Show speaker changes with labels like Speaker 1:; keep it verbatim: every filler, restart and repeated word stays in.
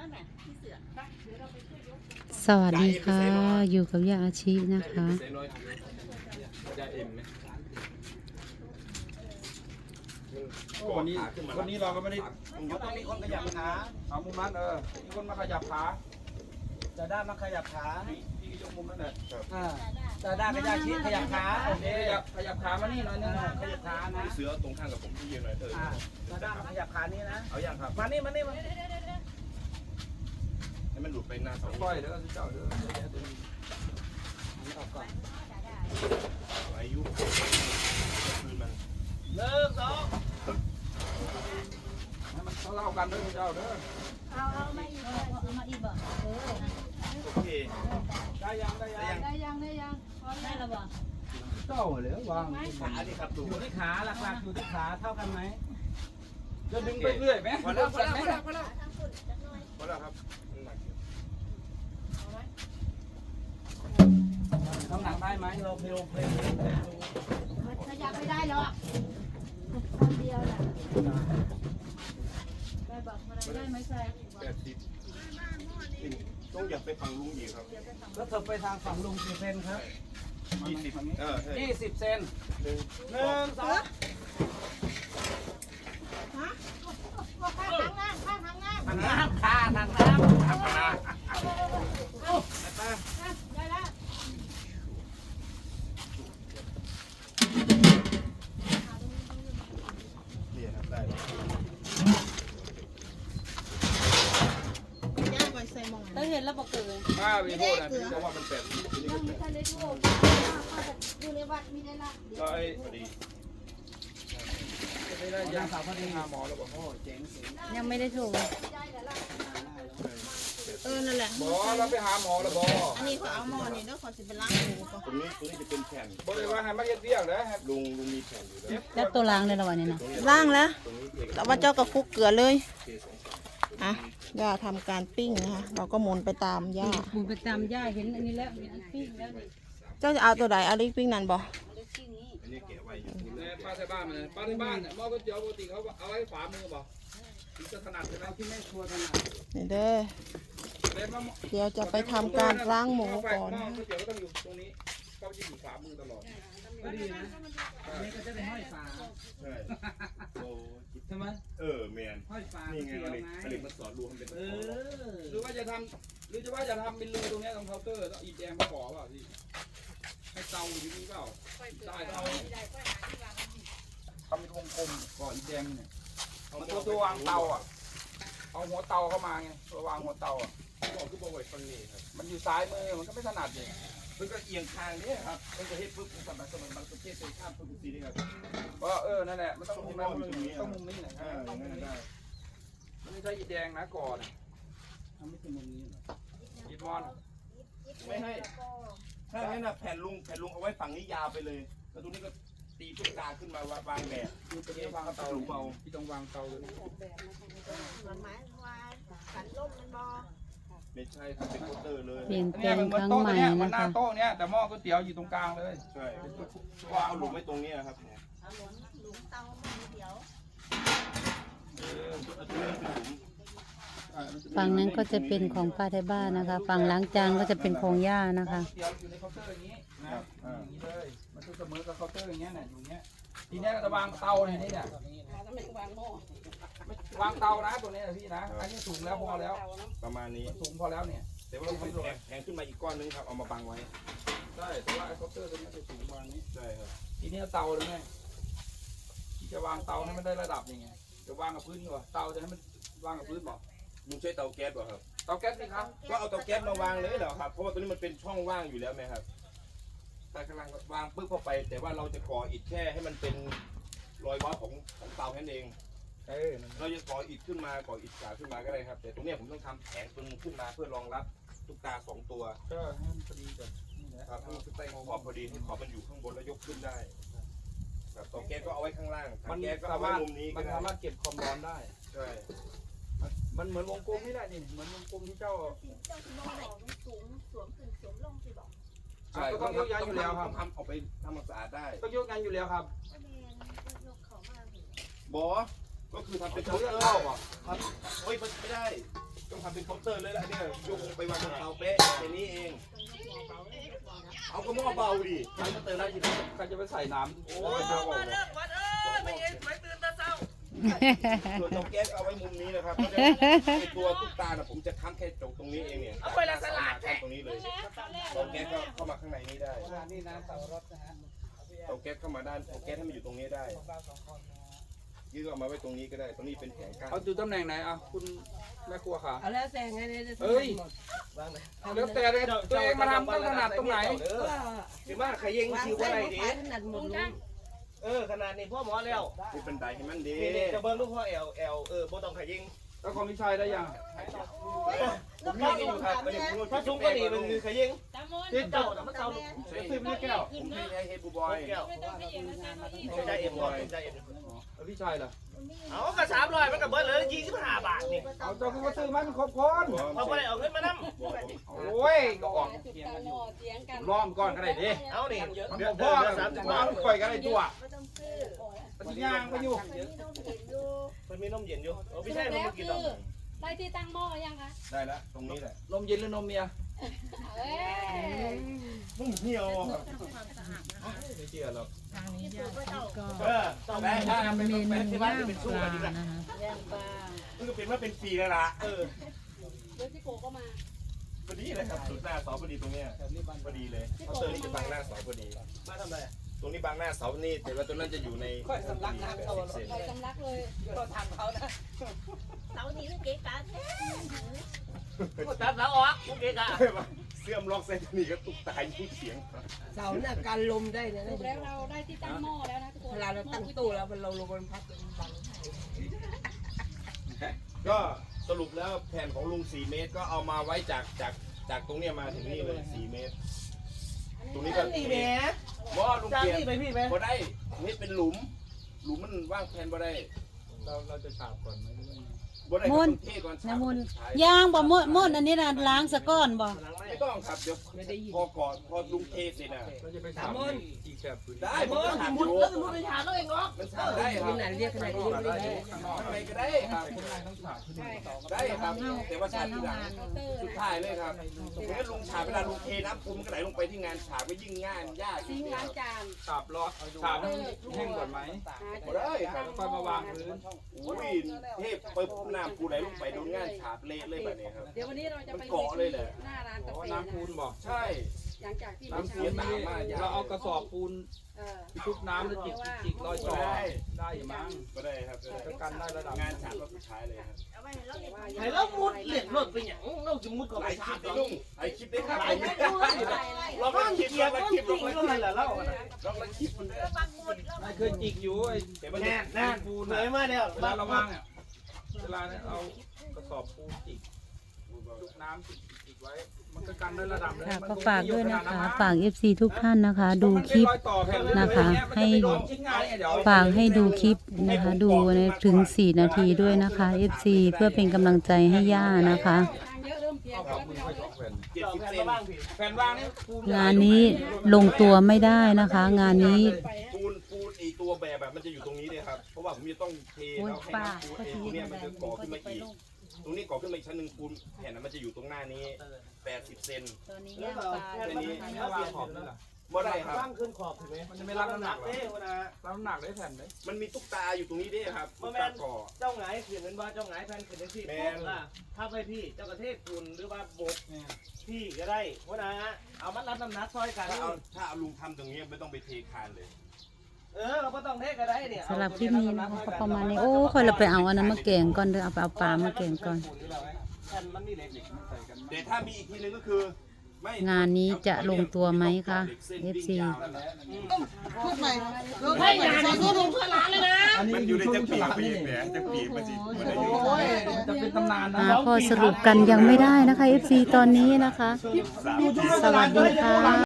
Speaker 1: สวัสดีค่ะอยู่กับย่าอาชีนะคะ
Speaker 2: วันนี้วันนี้เราก็ไม่ได้ต้องมีคนขยับขาเอามุมนั้นเออมีคนมาขยับขาจะได้มาขยับขาพี่ยกมุมนั่นแหละอ่าจะได้ขยับชี้ขยับขาโอเคขยับขยับขามานี่หน่อยนึงขยับขานะ
Speaker 3: เสือตรงข้างกับผมที่ยืนหน่อยเถอะ
Speaker 2: จะได้มาขยับขานี้นะ
Speaker 3: เอาอย่างครับ
Speaker 2: มานี่มานี่มา
Speaker 3: ให้มันหลุดไปหน้าเสา
Speaker 2: ค่อยเดี๋ยวเจ้าเดี๋ยวตัวนี้ออกก่อน
Speaker 3: อายุคืนมัน
Speaker 2: หนึ่งสองให้มันเล่ากันเด้อเจ้าเด้อ
Speaker 4: เอาเอามาอีกเอามาอีกบ่เออ
Speaker 3: โอเค
Speaker 2: ได้ยังได้ยัง
Speaker 4: ได้ยังได้ยังพอได้แล้วบ่
Speaker 2: เจ้าเลยวาง
Speaker 3: ขาดิครับ
Speaker 2: อยู่ที่ขาหลักๆอยู่ที่ขาเท่ากันไหมจะดึงไปเรื่อยไหม
Speaker 3: พอแล้วพอแล้วพอแล้วพอแล้วพอแล้วครับ
Speaker 2: น้ำหนักได้ไหมเราเพลเพล
Speaker 4: มันขยับไม่ได้หรอกคนเดียวแหละได้บอกอะไรได้ไหมใส่
Speaker 3: แปดสิบต้องอย่าไปฝั่งลุงอีกครับ
Speaker 2: แล้วเธอไปทางฝั่งลุงกี่เซนครับ
Speaker 3: ยี่สิบเออ
Speaker 2: ยี่สิบเซนหนึ่งหนึ่งสอง
Speaker 4: ฮะข้างล่างข้างทางล่าง
Speaker 2: ทางน้ำขาทางน้ำทางน้ำ
Speaker 4: ได้แล้ว
Speaker 3: นี่ครับได้
Speaker 4: เราเห็นแล้วบอกเกิน
Speaker 2: มาวิโรจน์นะพี่บอกว่ามันเป็น
Speaker 4: ยังมีทะเลทั่วอยู่ในวัดมีได้ละ
Speaker 3: ก็ไอ้พอดี
Speaker 2: ไม่ได้ยังสาวพอดีหาหมอแล้วบอกโอ้เจ๋ง
Speaker 1: ยังไม่ได้ถูก
Speaker 4: เออนั่นแหละ
Speaker 2: บอเราไปหาหมอแล้วบอ
Speaker 4: อันนี้เขาเอาหมอนี่แล้วเขาจะไปล้างหูก่อน
Speaker 3: ตรงนี้ตรงนี้จะเป็นแผ่น
Speaker 2: บริวารให้มาเย็ดเรียกนะครับ
Speaker 3: ลุงลุงมีแผ่นอยู่แล้ว
Speaker 1: แล้วตัวล้างในระหว่างนี้นะ
Speaker 4: ล้างแล้วแต่ว่าเจ้ากับคุกเกลือเลยอ่ะย่าทำการปิ้งนะคะเราก็หมุนไปตามย่า
Speaker 1: หมุนไปตามย่าเห็นอันนี้แล้วมีอันปิ้งแล้ว
Speaker 4: เจ้าจะเอาตัวใดเอาลิกปิ้งนั่นบ่
Speaker 3: อันนี้เก็บไว้อยู่
Speaker 2: ป้าที่บ้านมันป้าที่บ้านเนี่ยหม้อก๋วยเตี๋ยวปกติเขาเอาไว้ฝามือบ่ถึงจะถนัดใช่ไหมที่แม่ครัวถนัด
Speaker 4: นี่เด้อเดี๋ยวจะไปทำการล้างหมูก่อน
Speaker 2: หม้อก๋วยเตี๋ยวก็ต้องอยู่ตรงนี้เขาจะอยู่ฝามือตลอดก็ดีนะอันนี้ก็จะเป็นห้อยฝา
Speaker 3: ใช่โอ้
Speaker 2: ใช่ไหม
Speaker 3: เออเมียน
Speaker 2: ห้อยฝา
Speaker 3: นี่ไงผลิตมาสอนรวมเป็นเอ
Speaker 2: อหรือว่าจะทำหรือจะว่าจะทำเป็นรูตรงนี้ตรงเคาน์เตอร์ต้องอีแดงมาขอเปล่าพี่ให้เตาอยู่ที่นี่เปล่าได้เตาทำเป็นวงกลมก่ออีแดงเนี่ยมันตัวตัววางเตาอ่ะเอาหัวเตาเข้ามาไงตัววางหัวเตาอ่ะ
Speaker 3: บอกคือบอกไว้ฟังนี่ครับ
Speaker 2: มันอยู่ซ้ายมือมันก็ไม่ถนัดเลย
Speaker 3: มันก็เอียงทางนี้ครับมันจะเฮ็ดปุ๊บสมัยสมัยมันประเทศเป็นข้ามปุ๊บสีนี่ครับ
Speaker 2: ก็เออนั่นแหละมันต้องมุมนี้ต้องมุมนี้นะต้องมุมนี้ได้มันไม่ใช่อีแดงนะก่อนทำไม่ใช่มุมนี้หรออีบอล
Speaker 3: ไม่ให้ถ้าให้น่ะแผ่นลุงแผ่นลุงเอาไว้ฝั่งนี้ยาวไปเลยแล้วตรงนี้ก็ตีตุ๊กตาขึ้นมาวางแบบ
Speaker 2: คือตรงนี้วางเตาเบาที่ต้องวางเตาเลย
Speaker 4: มันหมายว่าขันล่มมันบอ
Speaker 3: ไม่ใช่ครับเป็นโคเตอร์เลย
Speaker 1: เปลี่ยนแปลงครั้งใหม่
Speaker 2: มันหน้า
Speaker 1: นะคะ
Speaker 2: โต๊ะเนี้ยแต่หม้อก๋วยเตี๋ยวอยู่ตรงกลางเลย
Speaker 3: ใช่ว่าเอาหลุมไว้ตรงนี้ครับ
Speaker 4: เอาหลุมหลุมเตาหม้อก๋วยเตี๋ยว
Speaker 1: ฝั่งนั้นก็จะเป็นของป้าไทยบ้านนะคะฝั่งล้างจานก็จะเป็นของย่านะคะ
Speaker 2: เตี๋ยวอยู่ในเคาน์เตอร์อย่างนี้นะอย่างนี้เลยมันจะเสมอกับเคาน์เตอร์อย่างเงี้ยเนี่ยอยู่เงี้ยทีนี้จะวางเตาเนี่ยนี่เนี่ยวางเตานะตัวนี้นะพี่นะอันนี้สูงแล้วพอแล้ว
Speaker 3: ประมาณนี้
Speaker 2: สูงพอแล้วเนี่ย
Speaker 3: แต่ว่าต้องแข็งขึ้นมาอีกก้อนนึงครับเอามาบังไว้
Speaker 2: ใช่แต่ว่าไอ้เคาน์เตอร์ตัวนี้จะสูงประมาณนี้
Speaker 3: ใช่ครับ
Speaker 2: ทีนี้เตาเลยไงที่จะวางเตาให้มันได้ระดับยังไงจะวางกับพื้นดีกว่าเตาจะให้มันวางกับพื้นบอก
Speaker 3: ลุงใช้เตาแก๊สป่ะครับ
Speaker 2: เตาแก๊สสิครับ
Speaker 3: ก็เอาเตาแก๊สมาวางเลยเหรอครับเพราะว่าตัวนี้มันเป็นช่องว่างอยู่แล้วไหมครับแต่กำลังวางปึ๊บเข้าไปแต่ว่าเราจะก่ออิฐแค่ให้มันเป็นรอยวัดของของเตาแค่นั้นเอง
Speaker 2: เออ
Speaker 3: เราจะก่ออิฐขึ้นมาก่ออิฐฉาบขึ้นมาก็ได้ครับแต่ตรงนี้ผมต้องทำแผงตรงขึ้นมาเพื่อรองรับตุ๊กตาสองตัว
Speaker 2: ก็ให้มันพอดีกับนี่
Speaker 3: นะครับให้มันขึ้นใต้ขอบพอดีให้ขอบมันอยู่ข้างบนแล้วยกขึ้นได้ครับเตาแก๊สก็เอาไว้ข้างล่าง
Speaker 2: มัน
Speaker 3: แก๊สก็
Speaker 2: สา
Speaker 3: เอาไว้
Speaker 2: มารถ
Speaker 3: มุมนี้
Speaker 2: มันสามารถเก็บความร้อนได้
Speaker 3: ใช่
Speaker 2: มันเหมือนวงกลมนี่แหละนี่เหมือนวงกลมที่เจ้า
Speaker 4: เจ้าสมองสูงสวมขึ้นสวมลงสิบอก
Speaker 2: ใช่ก็ต้องยกยันอยู่แล้วครับ
Speaker 3: ทำออกไปทำความสะอาดได้
Speaker 2: ต้องยกยันอยู่แล้วครับ
Speaker 3: บอก็คือทำเป็นเคาน์เตอร์ครับโอ้ยไม่ได้ต้องทำเป็นเคาน์เตอร์เลยละเนี่ยยกไปวางบนเตาเป๊ะแค่นี้เองเอากระหม้อเบาดิ
Speaker 2: ใครจะเติมได้ทีนี้ใครจะไปใส่น้ำ
Speaker 3: โอ้ยมาเลิกมาเอ้ยไม่เห็นไม่ตื่นตาเศร้าส่วนเตาแก๊สเอาไว้มุมนี้นะครับไอตัวตุ๊กตาน่ะผมจะค้ำแค่จกตรงนี้เองเนี่ยเอาไปละสลัดแค่ตรงนี้เลยเตาแก๊สก็เข้ามาข้างในนี้ได้
Speaker 2: นี่นะเตารถนะฮะ
Speaker 3: เตาแก๊สเข้ามาด้านเตาแก๊สให้มันอยู่ตรงนี้ได้ยืดออกมาไว้ตรงนี้ก็ได้ตรงนี้เป็นแผงกั้น
Speaker 2: เอาอยู่ตำแหน่งไหนอ่ะคุณแม่ครัวขา
Speaker 5: เอาแล้วแต่ไงเนี่ย
Speaker 2: เอ้ยแล้วแต่เลยตัวเองมาทำต้องถนัดตรงไหน
Speaker 5: ถือว่าขยิงคิวอะไรดีขนาดหมดลุง
Speaker 6: เออขนาดนี้พ่อหมอแล้ว
Speaker 3: นี่เป็นไดให้มันดี
Speaker 6: นี่จะเบิ้งลูกพ่อแอลแอลเออบ่ต้องขยิง
Speaker 2: แล้วของพี่ชายได้ยัง
Speaker 3: ผมมีนี่อยู่ครับประเดี๋ยวผม
Speaker 6: ถ้าซุ้มก็นี่มันคือขยิง
Speaker 2: ที่
Speaker 6: เจ้าน่ะมันเจ้า
Speaker 2: ซื้อไม่ได้แก้ว
Speaker 3: ผมมีไอเฮบูบอย
Speaker 6: แก้วไม่ได้เอ็มก่อนไม่ได้เอ็ม
Speaker 2: แล้วพี่ชายล่ะ
Speaker 6: เอาก็สามร้อยมันก็เบิ้เลยยี่สิบห้าบาทนี่
Speaker 2: เอาเจ้าคุณมาซื้อมันครบคน
Speaker 6: เขาไม่ได้เอาเงินมานั่ง
Speaker 2: โอ้ยก็ออกล้อมก่อนก็ได้ดิ
Speaker 6: เอานี่
Speaker 2: มันบ่พ่อสามสิบบาทปล่อยกันได้ตัวปฏิญาณไปอยู่
Speaker 6: มันมีนมเย็นอยู่โอ้ไม่ใช่มันกินหรอก
Speaker 7: ได้ที่ตั้งหม้อยังคะ
Speaker 3: ได้แล้วตรงนี้แหละ
Speaker 2: นมเย็นหรือนมเมีย
Speaker 7: เอ้ย
Speaker 3: มึงเหี่ยวครับ
Speaker 2: ไม่เชื่อหรอก
Speaker 1: ทางนี้ย่าก็
Speaker 6: เออต้อง
Speaker 1: ได้ทำเมนูย่างปลานะคะ
Speaker 7: ย่างปลา
Speaker 3: มันก็เป็นว่าเป็นฟรีแล้วล่ะเออ
Speaker 7: เดี๋ยวพี่โกก็มา
Speaker 3: พอดีเลยครับสุดหน้าเสาพอดีตรงเนี้ยพอดีเลยเขาเตอร์นี่จะบังหน้าเสาพอดี
Speaker 6: มาทำอะไร
Speaker 3: ตรงนี้บังหน้าเสานี่แต่ว่าตรงนั้นจะอยู่ใน
Speaker 6: ค่อยสำลักน้ำเขา
Speaker 3: เซน
Speaker 7: ใส่สำลักเลย
Speaker 6: ก็ทำเขานะ
Speaker 5: เสานี้มันเก๋กาแท้
Speaker 6: ก็ตัดแล้วออกโอเคกะ
Speaker 3: เสื่อมล็อกเซนนี่ก็ตุกตายยิ่งเสียง
Speaker 5: เสาเนี่ยการลมได้นะ
Speaker 7: สรุปแล้วเราได้ที่ตั้งหม้อแล้วนะทุกคน
Speaker 5: เวลาเราตั้งตู้แล้วมันเราลมมันพัดมันบัง
Speaker 3: ก็สรุปแล้วแผ่นของลุงสี่เมตรก็เอามาไว้จากจากจากตรงเนี้ยมาถึงนี่เลยสี่เมตร ตรงนี้ก็
Speaker 6: นี่แหม
Speaker 3: ว่าลุง
Speaker 6: จ้าง
Speaker 3: เกียร
Speaker 6: นี่ไปพี่ไหม
Speaker 3: บ่ได้นี่เป็นหลุม หลุมมันว่างแผ่นบ่ได้
Speaker 2: เราเราจะฉาบก่อนไหมหรือว่าไง
Speaker 3: บ่ได้
Speaker 1: มุน
Speaker 3: ต้องเทก่อน
Speaker 1: น้ำมุนย่างบ่มุนมุนอันนี้นะล้างสะก้อนบ่
Speaker 3: ไม่ต้องครับเดี๋ยวพอก่อนพอลุงเทเสร็จอ่ะ
Speaker 2: เราจะไปฉาบอีกแบบอื่น
Speaker 3: ได้
Speaker 6: ไอ้
Speaker 3: ผ
Speaker 6: เบิ้
Speaker 3: ม
Speaker 6: ล
Speaker 3: ก็ถามอ
Speaker 6: มุด
Speaker 3: ยู่
Speaker 6: แล้วมุดไปหาเราเองเหรอ
Speaker 3: มันถามได้ค
Speaker 5: ข
Speaker 3: รับ
Speaker 5: นาดเรียกขนาดนี้ไม่ได้
Speaker 3: ทำไมก็ได้ครับ
Speaker 2: ต้องฉาบที่นี่
Speaker 3: ได้ครับแต่ว่าฉาบทีหลัง
Speaker 7: เคาน์เตอร์
Speaker 3: สุดท้ายเลยครับเพราะฉะนั้นลุงฉาบเวลาลุงเทน้ำปูมันก็ไหลลงไปที่งานฉาบก็ยิ่งง่ายยาก
Speaker 7: ซิงค์ล้างจาน
Speaker 2: ฉาบล้อฉาบให้มันแห้งก่อนไหม
Speaker 3: บ่ได้ครับ
Speaker 2: แล้วค่อยมาวางพื้น
Speaker 3: อุ้ยเทพไปปุ๊บน้ำปูไหลลงไปโดนงานฉาบเละเลยแบบนี้ครับ
Speaker 7: เดี๋ยววันนี้เราจะไป
Speaker 3: มันเกาะเลยแหละ
Speaker 7: หน้าร้าน
Speaker 2: เพ
Speaker 7: กา
Speaker 2: ราะว่า
Speaker 7: แฟ
Speaker 2: น้ำปูน
Speaker 7: นะ
Speaker 2: บอก
Speaker 3: ใช่
Speaker 7: หลังจากที่
Speaker 3: น้ำ
Speaker 7: เมื่อ
Speaker 3: เสี
Speaker 7: เช้าย
Speaker 3: ตามมา
Speaker 2: เราเอากระสอบปูน
Speaker 7: เออ
Speaker 2: ชุบน้ำแล้วจิกจิกรอยต่อได้อยู่มั้ง
Speaker 3: ก็ได้ครับ
Speaker 2: จะกันได้ระดับ
Speaker 3: งานฉาบก็สุดท้ายเลยครับ
Speaker 6: ไอ้เรามุดเหล็กรถไปอย่างเราจะมุดก็
Speaker 3: ห
Speaker 6: ไป
Speaker 3: ลายค
Speaker 6: ถา
Speaker 3: ลิ
Speaker 6: ม
Speaker 3: ปได้ลุงหลายคลิปได้ครับ
Speaker 6: ไอ้ไม่รู้เรา
Speaker 3: เรา
Speaker 6: ก็
Speaker 3: ก็คลิป
Speaker 6: เกีย
Speaker 3: เรา
Speaker 6: ร์
Speaker 3: ก็
Speaker 6: ก็
Speaker 3: คลิ
Speaker 6: คิ
Speaker 3: ป
Speaker 6: ด
Speaker 3: เรา
Speaker 6: ว่า
Speaker 3: ก็
Speaker 6: อะไรล่ะเรา
Speaker 3: เราก็คลิปมัน
Speaker 2: ไม่เคยจิกอยู่ไอ้
Speaker 3: แต่มัน
Speaker 6: แน่นแน่น
Speaker 2: ปูน
Speaker 6: เหนื่อยมากเนี่ย
Speaker 2: เวลาเราว่างเนี่ยเวลาเนี่ยเอากระสอบปูนจิกชุบน้ำจิกจิกไว้มันก็กันได้ระดับ
Speaker 1: ค่ะก็ฝากด้วยนะคะ ฝาก เอฟ ซี ทุกท่านนะคะ ดูคลิปนะคะ ให้ฝากให้ดูคลิปนะคะ ดูถึงสี่นาทีด้วยนะคะ เอฟ ซี เพื่อเป็นกำลังใจให้ย่านะคะ
Speaker 7: ทางเยอะเริ่มเพียงแล้วพี่น้องเลย
Speaker 3: เจ็ด
Speaker 6: เรา
Speaker 3: สิบ
Speaker 6: แผ่น
Speaker 3: เซ
Speaker 6: มาน บ้างพี่
Speaker 2: แผ่นวางนี่ปูน
Speaker 1: งานนี้ลงตัวไม่ได้นะคะ งานนี้
Speaker 3: ปูนปูนไอตัวแบบแบบมันจะอยู่ตรงนี้เลยครับ เพราะว่าผมจะต้องเทแล้วให้น้ำปูนไอตัวเนี้ยมันจะก่อขึ้นมาอีก ตรงนี้ก่อขึ้นมาอีกชั้นหนึ่งปูนแผ่นนั้นมันจะอยู่ตรงหน้านี้แปดสิบเซน
Speaker 7: ตอนนี้
Speaker 6: แล้ว
Speaker 7: ย่าง
Speaker 6: ก็
Speaker 7: ปลา
Speaker 6: แผ่นมัน
Speaker 2: ถ้าวางขอบนี่ล่ะ
Speaker 3: บ่ได้ครับ
Speaker 6: ว่างขึ้นขอบถูกไหม
Speaker 2: มันจะไม่รับน้ำหนักหรอ
Speaker 6: เอ้วนะ
Speaker 2: รับน้ำหนักได้แผ่นไหม
Speaker 3: มันมีตุ๊กตาอยู่ตรงนี้ด้วยครับตุ๊กตาก่อ
Speaker 6: เจ้าหงายขืนเป็นว่าเจ้าหงายแผ่นขืนเป็นที่อ่ะถ้าไปพี่เจ้ากระเทศคุณหรือว่าบกพี่ก็ได้เพราะนะเอามัดรับน้ำหนักซอยกัน
Speaker 3: ถ้าเอาถ้าเอาลุงทำตรงนี้ไม่ต้องไปเทคานเลย
Speaker 6: เออเราก็ต้องเทก็ได้เนี่ย
Speaker 1: สำหรับคลิปนี้นะคะก็ประมาณนี้ โอ้ค่อยเราไปเอาอันนั้นมาแกงก่อนเด้อเอาไปเอาปลามาแกงก่อน
Speaker 6: แผ่นมันมีเหล็ก
Speaker 3: แต่ถ้ามีอีกทีนึงก็คือไม่
Speaker 1: งานนี้จะลงตัวไหมคะ เอฟ ซี
Speaker 5: พูดใหม่
Speaker 6: ไม่งานนี้ลงเพื่อร้านเลยนะ
Speaker 3: มันอยู่ในจะปีกไปเองแหมจะปีกมาสิมันได้อยู่
Speaker 2: จะเป็นตำนานนะ
Speaker 1: อ่าพอสรุปกันยังไม่ได้นะคะ เอฟ ซี ตอนนี้นะคะ สวัสดีค่ะ